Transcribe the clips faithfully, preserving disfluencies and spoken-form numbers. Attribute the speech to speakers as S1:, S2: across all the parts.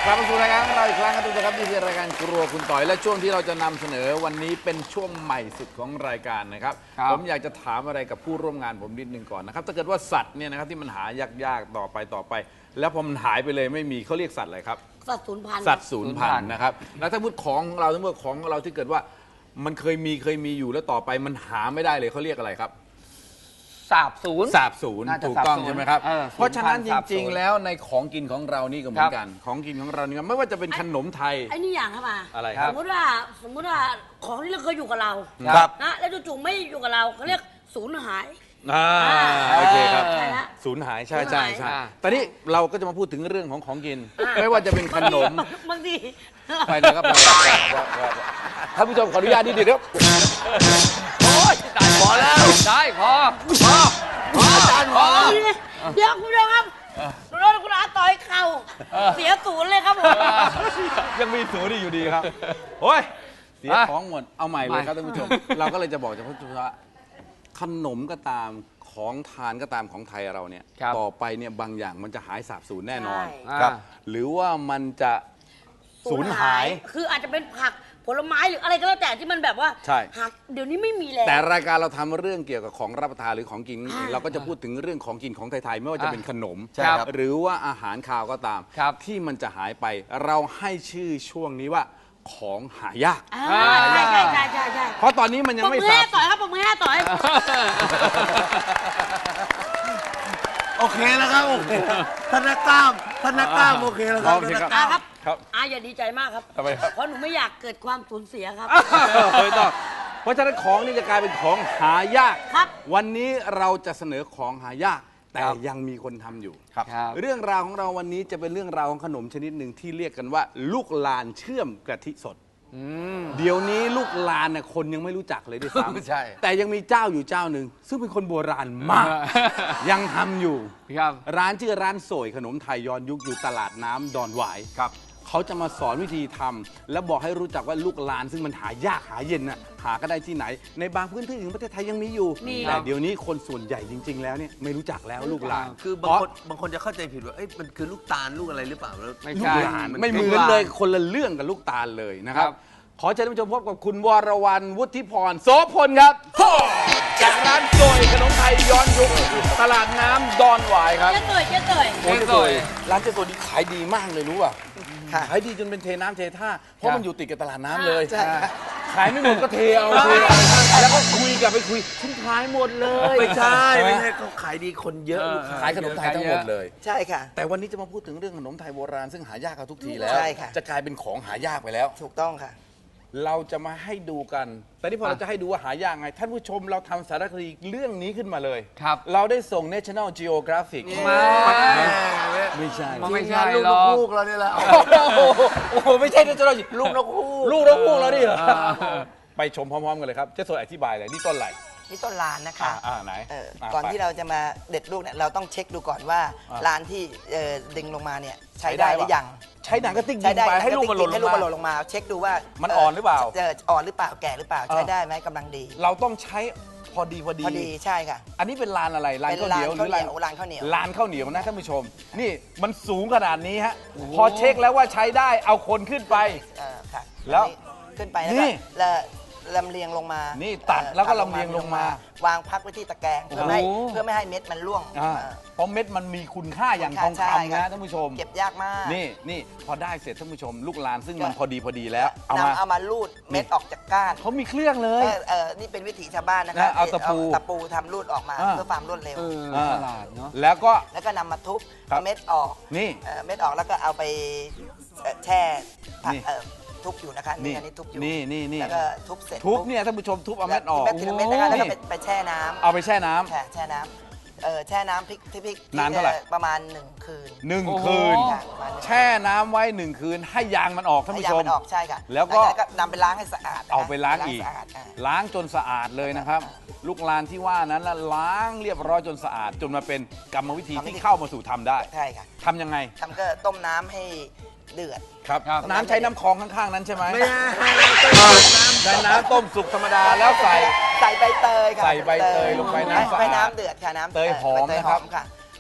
S1: กลับมาสู่รายการของเราอีกครั้งครับทุกท่านครับนี่คือรายการครัวคุณต่อยและช่วงที่เราจะนำเสนอวันนี้เป็นช่วงใหม่สุดของรายการนะครับผมอยากจะถามอะไรกับผู้ร่วมงานผมนิดนึงก่อนนะครับถ้าเกิดว่าสัตว์เนี่ยนะครับที่มันหายากๆต่อไปต่อไป แล้วพอมันหายไปเลยไม่มีเขาเรียกสัตว์อะไรครับ
S2: สัตว์สูญพันธุ์
S1: สัตว์สูญพันธุ์นะครับแล้วถ้าพูดของเราทั้งหมดของเราที่เกิดว่ามันเคยมีเคยมีอยู่แล้วต่อไปมันหาไม่ได้เลยเขาเรียกอะไรครับ
S3: สาบสูญ
S1: สาบสูญถูกต้องใช่ไหมครับเพราะฉะนั้นจริงๆแล้วในของกินของเรานี่ก็เหมือนกันของกินของเรานี่ไม่ว่าจะเป็นขนมไทย
S2: ไอ้นี่อย่างครับมา
S1: อะไรครับ
S2: สมมติว่าสมมติว่าของที่เราเคยอยู่กับเรา
S1: ครับ
S2: นะแล้วจู่ๆไม่อยู่กับเราเขาเรียกสูญหาย
S1: อ่าโอเคครับ
S2: ใช่ละ
S1: สูญหายใช่ใช่ใช่ตอนนี้เราก็จะมาพูดถึงเรื่องของของกินไม่ว่าจะเป็นขนม
S2: บางที
S1: ไปนะครับท่านผู้ชมขออนุญาตนิดเดียว
S3: โอ้ยตายพอแล้วได้พอพอพออาจารย์พอ
S2: เดี๋ยวคุณผู้ชมครับรถคุณอาต่อยเข่าเสียศูนย์เลยครับผม
S1: ยังมีศูนย์อยู่ดีครับโอ้ยเสียของหมดเอาใหม่เลยครับท่านผู้ชมเราก็เลยจะบอกเฉพาะว่าขนมก็ตามของทานก็ตามของไทยเราเนี่ยต่อไปเนี่ยบางอย่างมันจะหายสาบสูญแน่นอนครับหรือว่ามันจะสูญหาย
S2: คืออาจจะเป็นผักผลไม้หรืออะไรก็แล้วแต่ที่มันแบบว่าหักเดี๋ยวนี้ไม่มีแล้ว
S1: แต่รายการเราทำเรื่องเกี่ยวกับของรับประทานหรือของกินเราก็จะพูดถึงเรื่องของกินของไทยๆไม่ว่าจะเป็นขนมหรือว่าอาหารคาวก็ตามที่มันจะหายไปเราให้ชื่อช่วงนี้ว่าของหายาก
S2: ใช่ใช่ใช่ใช่ใช่
S1: เพราะตอนนี้มันยังไม่
S2: สาบต่อยครับผมมือห้าต่อย
S4: โอเคแล้วครับธนกล้ามธนกล้ามโอเคแล้วครับธนกล้าม
S2: ครับอาอย่าดีใจมากครับทำไมครับเพราะหนูไม่อยากเกิดความสูญเสียครับ
S1: ไม่ต้องเพราะฉะนั้นของนี่จะกลายเป็นของหายาก
S2: ครับ
S1: วันนี้เราจะเสนอของหายากแต่ยังมีคนทำอยู่ครับเรื่องราวของเราวันนี้จะเป็นเรื่องราวของขนมชนิดหนึ่งที่เรียกกันว่าลูกลานเชื่อมกะทิสดเดี๋ยวนี้ลูกลานเนี่ยคนยังไม่รู้จักเลยด้วยซ้ำใช่แต่ยังมีเจ้าอยู่เจ้าหนึ่งซึ่งเป็นคนโบราณมากยังทำอยู่ร้านชื่อร้านโสยขนมไทยย้อนยุคอยู่ตลาดน้ำดอนหวายครับเขาจะมาสอนวิธีทำและบอกให้รู้จักว่าลูกลานซึ่งมันหายากหาเย็นน่ะหาก็ได้ที่ไหนในบางพื้นที่ของประเทศไทยยังมีอยู่แต่เดี๋ยวนี้คนส่วนใหญ่จริงๆแล้วเนี่ยไม่รู้จักแล้วลูกลาน
S4: คือบางคนบางคนจะเข้าใจผิดว่าเอ้ยมันคือลูกตาลลูกอะไรหรือเปล่า
S1: ไม่ใช่ไม่เหมือนเลยคนละเรื่องกับลูกตาลเลยนะครับขอเชิญท่านผู้ชมพบกับคุณวรวรรณวุฒิพรโสพลครับจากร้านโสยขนมไทยย้อนยุคตลาดน้ำดอนหวายครับ
S2: เจ๊เตยเจ๊เตย
S1: เจ๊เตยร้านเจ๊เตยนี่ขายดีมากเลยรู้ป่ะขายดีจนเป็นเทน้ำเทท่าเพราะมันอยู่ติดกับตลาดน้ำเลยขายไม่หมดก็เทเอาแล้วก็คุยกับไปคุยฉันขายหมดเลย
S4: ไม่ใช่ไม่ใช่เขาขายดีคนเยอะ
S1: ขายขนมไทยทั้งหมดเลย
S5: ใช่ค่ะ
S1: แต่วันนี้จะมาพูดถึงเรื่องขนมไทยโบราณซึ่งหายากกันทุกทีแล้วจะกลายเป็นของหายากไปแล้ว
S5: ถูกต้องค่ะ
S1: เราจะมาให้ดูกัน แต่นี่พอเราจะให้ดูว่าหายากไง ท่านผู้ชมเราทำสารคดีเรื่องนี้ขึ้นมาเลยครับเราได้ส่ง National Geographic มาไม่ใช่
S4: ไม่ใช่ลูกนกฮูกเราเนี่ยแหละ
S1: โอ้โหไม่ใช่ National
S4: ลูกนกฮูก
S1: ลูกนกฮูกเราดิเหรอไปชมพร้อมๆกันเลยครับเจ๊สวยอธิบายเลยนี่ต้นอะไร
S5: นี่ต้นลานนะคะ
S1: อ่าไหน
S5: ก่อนที่เราจะมาเด็ดลูกเนี่ยเราต้องเช็คดูก่อนว่าลานที่ดึงลงมาเนี่ยใช้ได้หรือยัง
S1: ใช้หนังกระติกยิงไปให้ลูกมันหล่น
S5: ให้ลูกมันหล่นลงมาเช็คดูว่า
S1: มันอ่อนหรือเปล่า
S5: อ่อนหรือเปล่าแก่หรือเปล่าใช้ได้ไหมกำลังดี
S1: เราต้องใช้พอดีพอดี
S5: พอดีใช่ค่ะ
S1: อันนี้เป็นลานอะไรลานข้าวเหนียวหรือลาน
S5: ลานข้าวเหนียว
S1: ลานข้าวเหนียวนะท่านผู้ชมนี่มันสูงขนาดนี้ฮะพอเช็คแล้วว่าใช้ได้เอาคนขึ้นไป
S5: แล้วขึ้นไปแล้วลำเลียงลงมา
S1: นี่ตัดแล้วก็ลำเลียงลงม
S5: าวางพักไว้ที่ตะแกรงเพื่อไม่เพื่อไม่ให้เม็ดมันร่วง
S1: เพราะเม็ดมันมีคุณค่าอย่างทองคำนะท่านผู้ชม
S5: เก็บยากมาก
S1: นี่นี่พอได้เสร็จท่านผู้ชมลูกลานซึ่งมันพอดีพอดีแล้ว
S5: เอามาเอามาลูดเม็ดออกจากก้าน
S1: เขามีเครื่องเลย
S5: เออนี่เป็นวิถีชาวบ้านนะครับ
S1: เอาตะปู
S5: ตะปูทำลูดออกมาเพื่อความรวดเร็ว
S1: แล้วก็
S5: แล้วก็นำมาทุบเม็ดออก
S1: นี่
S5: เม็ดออกแล้วก็เอาไปแช่ทุบอยู่นะคะนี่อันนี้ทุบอยู่
S1: นี่นี่นี่
S5: แล้วก็ทุบเสร็จ
S1: ทุบเนี่ยท่านผู้ชมทุบเอาเม็ดออก
S5: เม็ดทีละเม็ดนะคะแล้วก็ไปแช่น้ำ
S1: เอาไปแช่น้ำ
S5: แช่น้ำเออแช่น้ำพริกที่พริก
S1: นานเท่าไหร่
S5: ประมาณหนึ่งคืน
S1: หนึ่งคืนแช่น้ำไว้หนึ่งคืนให้ยางมันออกท่านผู้ชม
S5: ให้ยางมันออกใช่ค่ะ
S1: แล้วก็
S5: นำไปล้างให้สะอาด
S1: เอาไปล้างอีกล้างจนสะอาดเลยนะครับลูกลานที่ว่านั้นแล้วล้างเรียบร้อยจนสะอาดจนมาเป็นกรรมวิธีที่เข้ามาสู่ทำได้
S5: ใช่ค่ะ
S1: ทำยังไง
S5: ทำก็ต้มน้ำให้เดือด
S1: ครับน้ำใช้น้ำคลองข้างๆนั้นใช่ไหมไม่ใช่ใช้น้ำต้มสุกธรรมดาแล้วใส่
S5: ใส่ใบเตยค่ะ
S1: ใส่ใบเตยลงไปน้ำ
S5: ใบน้ำเดือดค่ะน้ำ
S1: เตยหอมนะครับ
S5: ค่ะ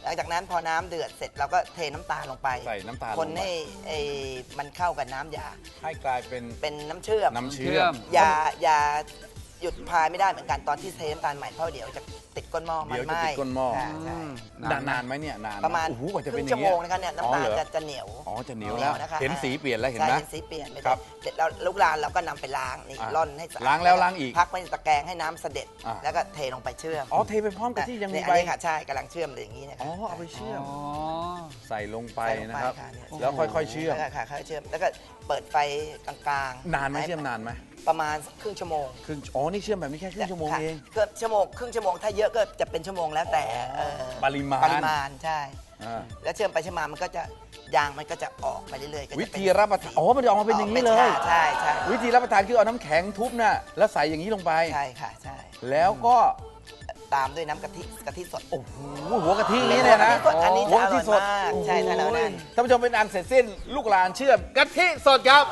S5: ลังจากนั้นพอน้ำเดือดเสร็จเราก็เทน้ำตาลลงไป
S1: ใส่น้ำตาล
S5: คน
S1: ลงไป
S5: ให้ไอ้มันเข้ากับน้ำยา
S1: ให้กลายเป็น
S5: เป็นน้ำเชื่อม
S1: น้ำเชื่
S3: เชื่
S1: อ
S3: อ
S1: ม
S3: ม
S5: อย่าอย่าหยุดพายไม่ได้เหมือนกันตอนที่เทน้ำตาลใหม่เพราะเดี๋ยวจะติดก้นหม้อมัน
S1: เดี๋ยวจะ
S5: ไหม้
S1: ติดก้นหม้อ
S5: ใช่ใช่
S1: นานนานไหมเนี่ยนานไห
S5: ประมาณ
S1: โอ้โหกว่าจะ
S5: ค
S1: เป็
S5: รึ่
S1: น
S5: ง
S1: อ
S5: ชั่
S1: ย่าว ง
S5: โม
S1: เงี้ย
S5: งนะคะเนี่ย
S1: อ๋อ
S5: น้ำตาล
S1: เหรอ
S5: จะจะเหนียว
S1: อ๋อจะเหนียวแล้ว
S5: นะคะ
S1: เห็นสีเปลี่ยนแล้วเห็น
S5: ใช่
S1: ไหม
S5: เห็นสีเปลี่ยนไป
S1: ครับ
S5: เสร็จแล้วลูกลานเราก็นำไปล้างนี่
S1: อ่ะ
S5: ร่อนให้สะอาด
S1: ล้างแล้วล้างอีก
S5: พักไว้ในตะแกรงให้น้ำเสด็จ
S1: อ่ะ
S5: แล้วก็เทลงไปเชื่อม
S1: อ๋อเทไปพร้อมกับที่ยังมี
S5: เนี่ย
S1: ใบ
S5: อันนี้ค่ะใช่กำลังเชื่อมเลยอย่างนี้นะคะ
S1: อ๋อเอาไปเชื่อม
S3: อ๋อ
S1: ใส่ลงไป
S5: ใส่ลง
S1: นะครับ
S5: เนี่ย
S1: แล้วค่อยๆเชื่อม
S5: แล้วก็ค่ะค่อยๆเชื่อมแล้วก็เปิดไฟกลางๆ
S1: นานไหมเชื่อมนานไหม
S5: ประมาณครึ่งชั่วโมง
S1: ครึ่งอ๋อนี่เชื่อมแบบนี้แค่ครึ่งชั่วโมง
S5: ค่ะ
S1: เอง
S5: เกือบชั่วโมงครึ่งชั่วโมงถ้าเยอะก็จะเป็นชั่วโมงแล้วแต่เอ่อ
S1: ปริมาณ
S5: ปริมาณใช่
S1: อ่า
S5: แล้วเชื่อมไปเชื่อมมามันก็จะยางมันก็จะออกไปเรื่อยๆก็จะ
S1: วิ
S5: เป็น
S1: ธีรับประทานอ๋อมันจะออกมาเป็นอย่างนี้เลย
S5: ใช่ใช่
S1: วิธีรับประทานคือเอาน้ำแข็งทุบน่ะแล้วใส่อย่างนี้ลงไป
S5: ใช่ค่ะใช่
S1: แล้วก็
S5: ตามด้วยน้ำกะทิกะทิสด
S1: โอ้โหหัวกะทินี้เนี่ยนะ
S5: อันนี้
S1: หัว
S5: จะอก
S1: ะทิ
S5: ร่อย
S1: สด
S5: มากใช่ถ้าเรานั่น
S1: ท่านผู้ชมเป็นอันเสร็จสิ้นลูกหลานเชื่อมกะทิสดครับ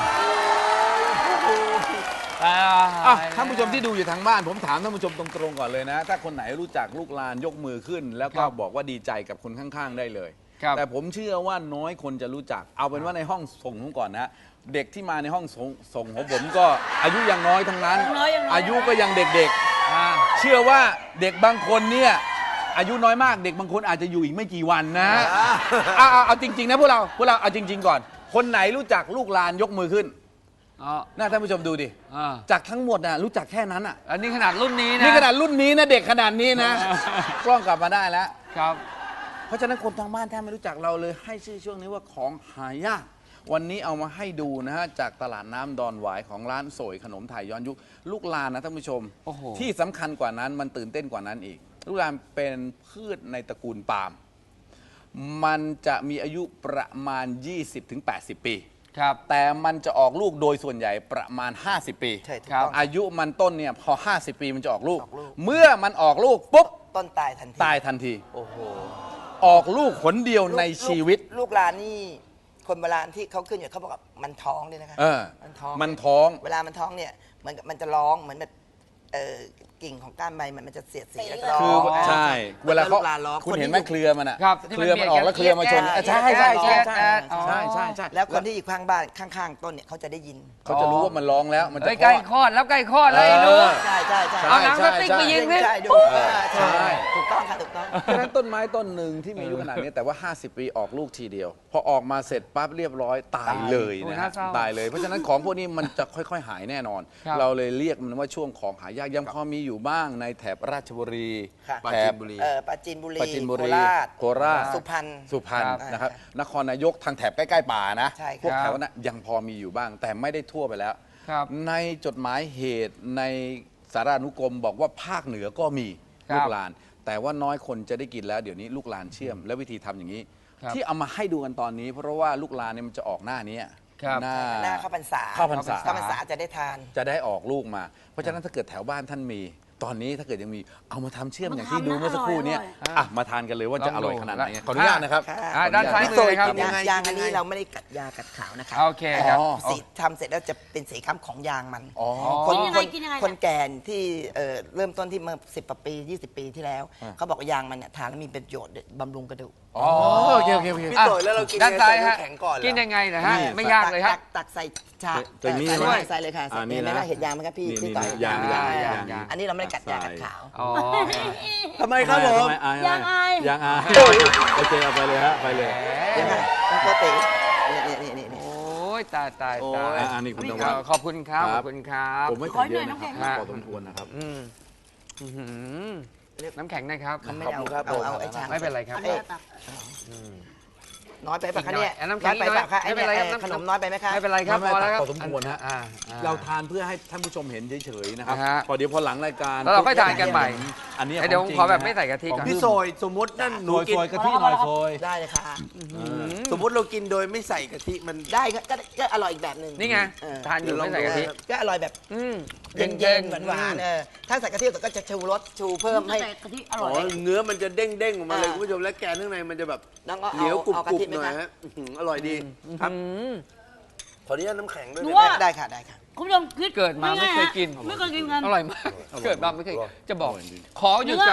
S3: อ่า
S1: อ่ะท่านผู้ชมที่ดูอยู่ทางบ้านผมถามท่านผู้ชมตรงๆก่อนเลยนะ ถ้าคนไหนรู้จักลูกหลานยกมือขึ้น แล้วก็บอกว่าดีใจกับคนข้างๆได้เลย
S3: ครับ
S1: แต่ผมเชื่อว่าน้อยคนจะรู้จัก เอาเป็นว่าในห้องส่งผมก่อนนะ เด็กที่มาในห้องส่งส่งของผมก็อายุยังน้อยทั้งนั้น
S2: ยังน้อยยังน้อย
S1: อายุก็ยังเด็ก
S3: อ่า
S1: ๆ เชื่อว่าเด็กบางคนเนี่ยอายุน้อยมากเด็กบางคนอาจจะอยู่อีกไม่กี่วันนะเอาเอาเอาจริงๆนะพวกเราพวกเราเอาจริง ๆ ก่อน คนไหนรู้จักลูกหลานยกมือขึ้น
S3: อ๋อ
S1: น่าท่านผู้ชมดูดิ
S3: อ่า
S1: จากทั้งหมดน่ะรู้จักแค่นั้นอ่ะ
S3: อันนี้ขนาดรุ่นนี้นะ
S1: นี่ขนาดรุ่นนี้นะเด็กขนาดนี้นะ กล้องกลับมาได้แล้ว
S3: ครับ
S1: เพราะฉะนั้นคนทางบ้านแทบไม่รู้จักเราเลยให้ชื่อช่วงนี้ว่าของหายาก วันนี้เอามาให้ดูนะฮะจากตลาดน้ำดอนหวายของร้านโสยขนมไทยย้อนยุคลูกลานนะท่านผู้ชม
S3: โอ้โห
S1: ที่สำคัญกว่านั้นมันตื่นเต้นกว่านั้นอีก ลูกลานเป็นพืชในตระกูลปาล์มมันจะมีอายุประมาณ ยี่สิบถึงแปดสิบ ปี
S3: ครับ
S1: แต่มันจะออกลูกโดยส่วนใหญ่ประมาณ ห้าสิบ ปี
S5: ใช่ถูก
S3: ครับ
S5: ต้อง
S1: อายุมันต้นเนี่ยพอ ห้าสิบ ปีมันจะออกลูก
S5: ออกลูก
S1: เมื่อมันออกลูกปุ๊บ
S5: ต้นตายทันที
S1: ตายทันที
S5: โอ้โห
S1: ออกลูกขนเดียวในชีวิต
S5: ลูกลูกลานนี่คนโบราณที่เขาขึ้นอยู่เขาบอกว่ามันท้องด้วยนะคะ
S1: เออ
S5: มันท้อง
S1: มันท้อง
S5: เวลามันท้องเนี่ยเหมือนกับมันจะร้องเหมือนแบบเอ่อกิ่งของก้านใบมันมันจะเสียดสีแล้วก็ร้อง
S1: คือ
S5: า
S1: ใช่ เวลาเขา
S5: ลูกลานร้อง
S1: คุณเห็นไหม
S5: ที่
S1: เครือมันอ่ะ
S3: ครับที่
S1: เค
S3: มัน
S1: รือมันออกแล้วเครือมาชน
S5: เบียดกัน
S1: ใช่ใช่ใช่ใช่
S3: แอดอ๋อ
S1: ใช่ใช่ใช่
S5: แล้วคนที่อยู่ข้างบ้านข้างๆต้นเนี่ยเขาจะได้ยิน
S1: เขาจะรู้ว่ามันร้องแล้วมันจะ
S3: เฮ้ยใกล้คลอดแล้วใกล้คลอดเลยไอ้หนู
S1: เออ
S5: ใช่ใช่ใช่
S3: เอาหนังสติ๊กมายิงสิ
S5: ใช่ดู
S1: เออ
S5: ใช่
S1: ใช่
S5: ถูกต้องค่ะถูกต้อง
S1: ฉะนั้นต้นไม้ต้นหนึ่งที่มีอายุขนาดนี้แต่ว่า ห้าสิบ ปีออกลูกทีเดียว พอออกมาเสร็จปั๊บเรียบร้อยตายเลย
S3: โอ้ย
S1: นะ
S3: น่า
S1: ฮะ
S3: เศร้า
S1: ตายเลย เพราะฉะนั้นของพวกนี้มันจะค่อยๆ หายแน่นอน
S3: ครับ
S1: เราเลยเรียกมันว่าช่วงของหายากยังพอมีอยู่บ้างในแถบราชบุรี
S5: ค่ะ
S1: แถบ
S5: เอ่อปราจีนบุรี
S1: ปราจีนบุรี
S5: โคราช
S1: โคราช
S5: สุพรรณ
S1: สุพรรณ
S5: ครับ
S1: นะครับ
S5: อ่าน
S1: นครนายกทางแถบใกล้ๆป่านะ
S5: ใช่ครับ
S1: พวกแถวนั้นยังพอมีอยู่บ้าง แต่ไม่ได้ทั่วไปแล้ว
S3: ครับ
S1: ในจดหมายเหตุในสารานุกรมบอกว่าภาคเหนือก็มี
S3: ครับ
S1: ลูกลาน แต่ว่าน้อยคนจะได้กินแล้วเดี๋ยวนี้ลูกลานเชื่อม และวิธีทำอย่างนี้
S3: ครับ
S1: ที่เอามาให้ดูกันตอนนี้ เพราะว่าลูกลานเนี่ยมันจะออกหน้านี้
S3: ครับ
S1: หน้า
S5: หน้าเข้าพรรษา
S1: เข้าพรรษา
S5: เข้าพรรษาจะได้ทาน
S1: จะได้ออกลูกมา เพราะฉะนั้นถ้าเกิดแถวบ้านท่านมี ตอนนี้ถ้าเกิดยังมีเอามาทำเชื่อมอย่างที่ดูเมื่อสักครู่เนี้
S2: อร่อย
S1: อ่ะมาทานกันเลยว่าจะอร่อยขนาดไหนขออนุญาตนะครับ
S3: อ่าด้านซ้ายมือเลยครับ
S5: ยางยางอันนี้เราไม่ได้กัดยากัดขาวนะคะ
S3: โอเคครับ
S1: อ๋อ
S5: สีทำเสร็จแล้วจะเป็นสีค้ำของยางมัน
S1: อ๋อ
S5: คน
S2: กินยัง
S5: ค
S2: ไง
S5: น
S2: กินยังไง
S5: คนแก่ที่เอ่อเริ่มต้นที่เมื่อสิบปียี่สิบปีที่แล้ว
S1: อ่า
S5: เขาบอกว่ายางมันเนี่ยทานแล้วมีประโยชน์บำรุงกระดูก
S1: อ๋อโอเคโอเคโอเค
S4: พี่โตยแล้วเรากิน
S3: ด้านซ้ายฮะ
S4: ใส่น้ำแข็งก่อนเหรอ
S3: กินยังไงนะฮะ
S1: นี่
S3: ไม่ยากเลยฮะ
S5: ตัตักใส่ชา
S1: ใส่นี่
S5: ใส่
S1: ไหม
S5: ใส่เลยค่ะ
S1: อ่า
S5: ใส่
S1: นี่
S5: เห็นไหม
S1: นะ
S5: ล่ะเห็นยางไหมครับพี่
S1: นี่
S5: ที่ต่อย
S1: นี่ยาง
S5: ยาง
S3: ยาง
S5: ยาง
S3: ยาง
S5: อันนี้เราไม่ได้กัดยากัดขาว
S3: อ๋อ
S4: ทำไมครับผม
S2: ยังอาย
S1: ยังอายโอเคเอาไปเลยฮะไปเลย
S5: เนี่ยค่ะต้องโกตินี่นี่นี่นี่นี่
S3: โอ้ยตายตายตาย
S1: อ่านี่คุณตะ
S3: ข
S1: วั
S3: อน ขอบคุณครับ
S1: ค
S3: ข
S1: รั
S3: อ
S1: บบ
S3: คุณครับ
S1: ผมไม่
S2: ขอ
S1: ใส่เยอะ
S2: หน่
S1: นะ
S2: อย
S1: ครับ
S2: น้ำแข็ง
S1: พอสมควรนะครับ
S3: อืมอื้อหือน้ำแข็งนะครับ
S5: มันไม่เอา
S4: ขอบคุณครับ
S5: เอาเอา
S4: ผม
S5: ไอ้ชาม
S3: ไม่เป็นไรครับ
S2: อันนี้ตัก
S5: น้อยไปปะคะเนี่ย
S3: อีกหน่อยน้ำแข็ง
S5: น้อยไปปะคะ
S3: อีกหน่อยไม่เป็นไรครับ
S5: อ้ขนมน้อยไปไหมคะ
S3: ไม่เป็นไรครับ
S1: ไม่
S3: พอ
S1: ไม่
S3: แล้วครับ
S1: พอสมควรฮะ
S3: อ่าอ่า
S1: เราทานเพื่อให้ท่านผู้ชมเห็นเฉยๆนะครับ
S3: อ่าฮะ
S1: พอเดี๋ยวพอหลังรายการ
S3: แล้วเราค่อยทานกันใหม่
S1: อันนี้
S3: เดี๋ยวผมขอแบบไม่ใส่กะทิก่อน
S4: พี่โซยสมมตินั่นห
S1: โซ
S4: นู
S1: ย
S4: กิน
S1: โซยกะทิหน่อยโซย
S5: ได้เลยค่ะ
S4: สมมติเรากินโดยไม่ใส่กะทิมัน
S5: ได้ก็ก็ก็อร่อยอีกแบบหนึ่ง
S3: นี่ไง
S5: เออ
S3: ทานอยู่ไม่ใส่กะทิ
S5: ก็อร่อยแบบ
S3: อืม
S5: เย็นๆหวานๆเออถ้าใส่กะทิก็จะชูรสชูเพิ่มให้
S2: แต่กะทิอ
S4: อ๋
S2: ร่
S4: อ
S2: อย
S4: เนื้อมันจะเด้งเด้งๆออกมาเลย
S5: อ่า
S4: คุณผู้ชมและแกนข้างในมันจะแบบ
S5: น้องก็
S4: เหนียว
S5: เอา
S4: กรุบ
S5: เอา
S4: ก
S5: กะ
S4: รุบ
S5: ทิไหม
S4: หน่อย
S5: คะ
S4: ฮะอื้อหืออร่อยดีครับ
S3: อืม
S4: ขออนุญาตน้ำแข็งด้วย
S2: หนู
S4: นะ
S2: ว่า
S5: ได้ค่ะได้ค่ะ
S2: คุณผู้ชมคิด
S3: เกิดมาไม่เคยกิน
S2: ไม่เคยกินกัน
S3: อร่อยมาก เกิดมาไม่เคย จะบอก ขอหยุดกัน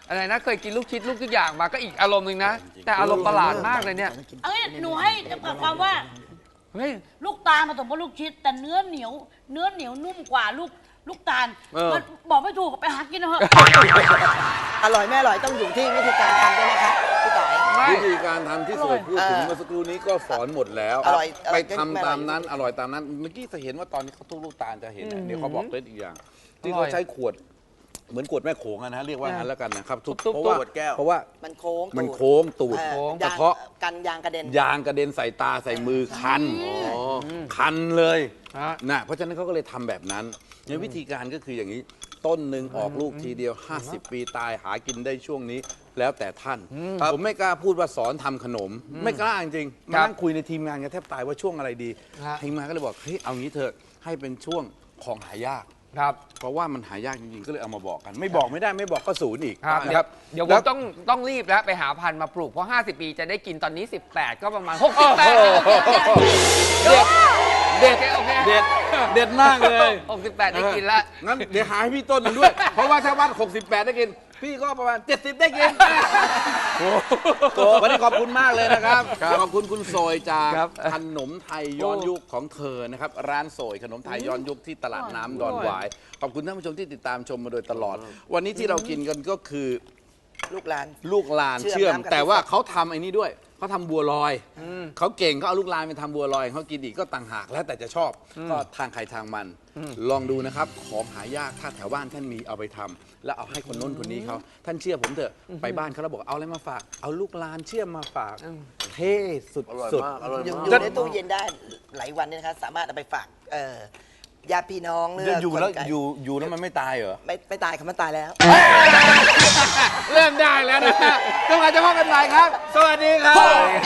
S3: อะไรนะเคยกินลูกชิดลูกทุกอย่างมาก็อีกอารมณ์หนึ่งนะ แต่อารมณ์ประหลาดมากเลยเนี่ย
S2: เอ้ยหนูให้จำกัดความว่า
S3: เฮ้ย
S2: ลูกตาลผสมกับลูกชิด แต่เนื้อเหนียว เนื้อเหนียวนุ่มกว่าลูกลูกตาล
S1: เออ
S2: มันบอกไม่ถูกไปหากินเถอะ
S5: อร่อยไม่อร่อยต้องอยู่ที่วิธีการทำด้วยนะคะพี่ต่อย
S3: ไม่
S1: วิธีการทำที่สวยพูดถึง
S5: เออ
S1: เมื่อสักครู่นี้ก็สอนหมดแล้ว
S5: อร่อยอร่
S1: ไป
S5: อย
S1: ทำ
S5: ไม่อร่อย
S1: ตามนั้นอร่อยตามนั้นเมื่อกี้จะเห็นว่าตอนนี้เขาทุบลูกตาลจะเห็นนะเดี๋ยวเขาบอกเล็ดอีกอย่าง ที่
S3: อร่
S1: เขา
S3: อย
S1: ใช้ขวด เหมือนขวดแม่โขงอะนะเรียกว่างั้นแล้วกันนะครับทุบ
S3: ตุ๊บๆ
S1: เพราะว่า
S4: ขวดแก้ว
S1: เพราะว่า
S5: มันโค้ง
S1: มัน
S5: ตูด
S1: โค้งตูด
S5: เออก
S1: ระ
S5: ยาง
S1: เทาะ
S5: กันยางกระเด็น
S1: ยางกระเด็นใส่ตาใส่มือคันคันเลย
S3: ฮะ
S1: นะเพราะฉะนั้นเขาก็เลยทำแบบนั้นในวิธีการก็คืออย่างนี้ ต้นหนึ่งออกลูกทีเดียว ห้าสิบ ปีตายหากินได้ช่วงนี้ แล้วแต่ท่าน ผมไม่กล้าพูดว่าสอนทำขนม ไม่กล้าจริงๆมานั่งคุยในทีมงานกันแทบตายว่าช่วงอะไรดี
S3: ฮะ
S1: ทีมงานก็เลยบอกเฮ้ยเอางี้เถอะให้เป็นช่วงของหายาก
S3: ครับ
S1: เพราะว่ามันหายากจริงๆ ก็เลยเอามาบอกกัน ไม่บอกไม่ได้ไม่บอกก็ศูนย์อีก
S3: ครับ
S1: นะครับ
S3: เดี๋ยวผ
S1: แล้
S3: มต้องต้องรีบแล้วไปหาพันธุ์มาปลูกเพราะ ห้าสิบ ปีจะได้กินตอนนี้ สิบแปด ก็ประมาณ หกสิบแปด
S1: เด็ดเด็ด
S3: โอเค
S1: เด็ดเด็ดมากเลย
S3: หกสิบแปดได้กินแล้ว
S1: งั้นเดี๋ยวหาให้พี่ต้นหนึ่งด้วย เพราะว่าถ้าวัดหกสิบแปดได้กิน พี่ก็ประมาณเจ็ดสิบได้กินโอ้โหวันนี้ขอบคุณมากเลยนะครับ ขอบคุณคุณโซยจาก
S3: ครับ
S1: ขนมไทยย้อนยุคของเธอนะครับ ร้านโซยขนมไทยย้อนยุคที่ตลาดน้ำดอนหวาย ขอบคุณท่านผู้ชมที่ติดตามชมมาโดยตลอด วันนี้ที่เรากินกันก็คือ
S5: ลูกหลาน
S1: ลูกลาน
S5: เชื่
S1: เชื่อ
S5: อ
S1: ม
S5: มน้ำกะทิ
S1: แต่ว่าเขาทำไอ้นี่ด้วยเขาทำบัวลอยเขาเก่งเขาเอาลูกลานไปทำบัวลอยเขากินอีกก็ต่างหากแล้วแต่จะชอบก็ทางใครทางมัน ลองดูนะครับของหายากถ้าแถวบ้านท่านมีเอาไปทำแล้วเอาให้คนโน้นคนนี้เขาท่านเชื่อผมเถอะไปบ้านเขาแล้วบอกเอาอะไรมาฝาก เอาลูกลานเชื่อมมาฝากเท่สุด
S4: อร่อย
S1: สุด
S4: มากอร่อย
S5: อยู่
S4: มาก
S5: อยู่ในตู้เย็นได้หลายวันเนี่ยนะคะสามารถเอาไปฝากเอ่อญาติพี่น้องหรือ
S1: อยู่แล้ว
S5: คนไกล
S1: อยู่อยู่แล้วมันไม่ตายเหรอ
S5: ไม่ไม่ตายค่ะมันตายแล้ว
S1: เริ่มได้แล้วนะจังหวะจะพบกันใหม่ครับ สวัสดีครับ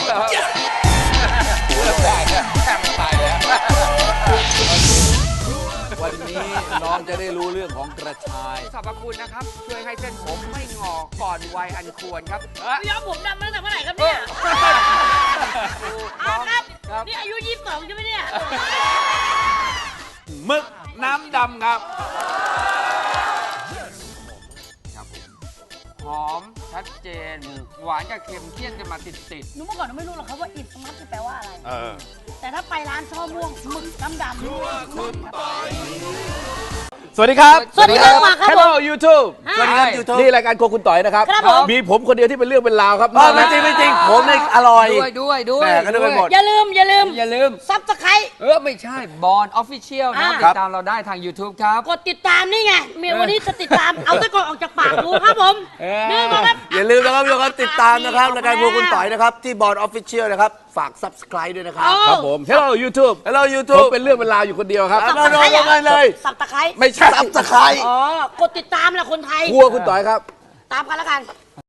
S1: เริ่มได้เนี่ยแค่ตายแล้ววันนี้น้องจะได้รู้เรื่องของกระชาย
S3: สรรพคุณนะครับ ช่วยให้เส้นผมไม่งอก่อนวัยอันควรครับเอ้ย
S2: ย้อมผมดำมาตั้งแต่เมื่อไหร่ครับเนี่ยอาครับ
S3: ครับ
S2: นี่อายุยี่สิบสองใช่ไหมเนี่ย
S1: มึกน้ำดำครับ
S3: หอมชัดเจน หวานกับเค็มเคี่ยนกันมาติดติด
S2: หนูเมื่อก่อนหนูไม่รู้หรอกครับว่าอิดสมัตคือแปลว่าอะไร
S1: เออ
S2: แต่ถ้าไปร้านช่อม่วงหมึกน้ำดำ
S1: สวัสดีครับ
S2: สวัสดีครับครับผม
S1: Hello YouTube
S2: สวัสดีครับ
S1: YouTube นี่รายการโครัวคุณต่อยนะครับ
S2: ครับผม
S1: มีผมคนเดียวที่เป็นเรื่องเป็นราวครับ
S4: เออไม่จริงไม่จริงผมเนี่ยอร่อย
S3: ด้วยด้วยด้วย
S4: แหม่ก็นึกไปหมด
S2: อย่าลืมอย่าลืม
S3: อย่าลืม
S2: ซับสไคร
S3: เออ ไม่ใช่บอลออฟฟิเชียลนะ
S2: อ่า
S3: ติดตามเราได้ทาง YouTube ครับ
S2: กดติดตามนี่ไงเมียวันนี้จะติดตาม เอาตะกอนออกจากปากดูครับผม
S3: เออ
S2: นี่นะครับ
S4: อย่าลืมนะครับทุกคนติดตามนะครับรายการพวกคุณต่อยนะครับ ที่บอร์ดออฟฟิเชียลนะครับ ฝาก subscribe ด้วยนะครับ
S1: ครับผม Hello YouTube
S4: Hello
S1: ผม
S4: YouTube
S1: เป็นเรื่องเป็นราวอยู่คนเดียวครับ
S4: ครับ โดนๆกันเลย
S2: สับตะไคร้
S1: ไม่ใช่
S4: subscribe
S2: อ๋อกดติดตามแหละคนไทย
S1: ครัวคุณต่อยครับ
S2: ตามกันแล้วกัน